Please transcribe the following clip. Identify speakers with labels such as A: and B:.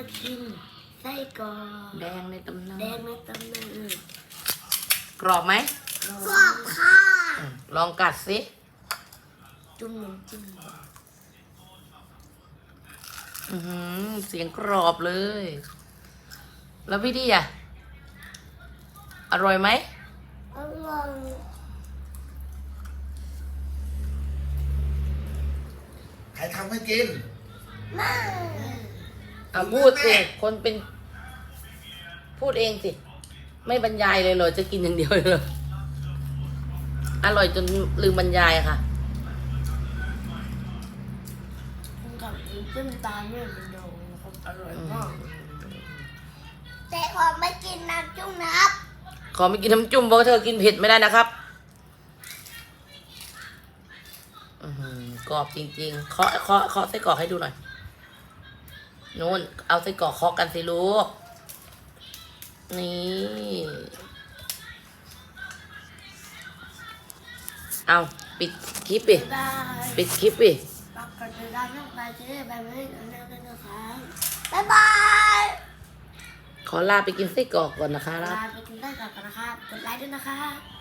A: กินไส้กรอก
B: แดงในตำนาน
A: แดงในตำนาน
B: กรอบไหม
A: กรอบค่ะ
B: ลองกัดสิ
A: จุ่มน้ำจิ้ม
B: เสียงกรอบเลย แล้วพี่ดีอ่ะ อร่อยไหม
A: อร่อย
C: ใครทำให้กิน
A: มาก
B: พูดสิ คนเป็น พูดเองสิ ไม่บรรยายเลยเหรอ จะกินอย่างเดียวเลยเหรออร่อยจนลืมบรรยายค่ะ
A: กินกับน้ำจิ้มตาลเนี่ยมันโดนนะครับอร่อยมากแต่ขอไม่กินน้ำจุ่มนะครับ
B: ขอไม่กินน้ำจุ่มเพราะเธอกินเผ็ดไม่ได้นะครับกรอบจริงๆเคาะไส้กรอกให้ดูหน่อยนู้นเอาไส้กรอกเคาะกันสิลูกนี่เอาปิดคลิปปิ
A: ได้
B: ปิดคลิปปิ
A: ฝากกดติดตามช่องไปเจ๊แบบไม่ได้ด้วยนะครับบ๊ายบาย
B: ขอลาไปกินไส้กรอกก่อนนะคะ
A: ลาไปกินได้ก่อนนะครับกดไลค์ด้วยนะครับ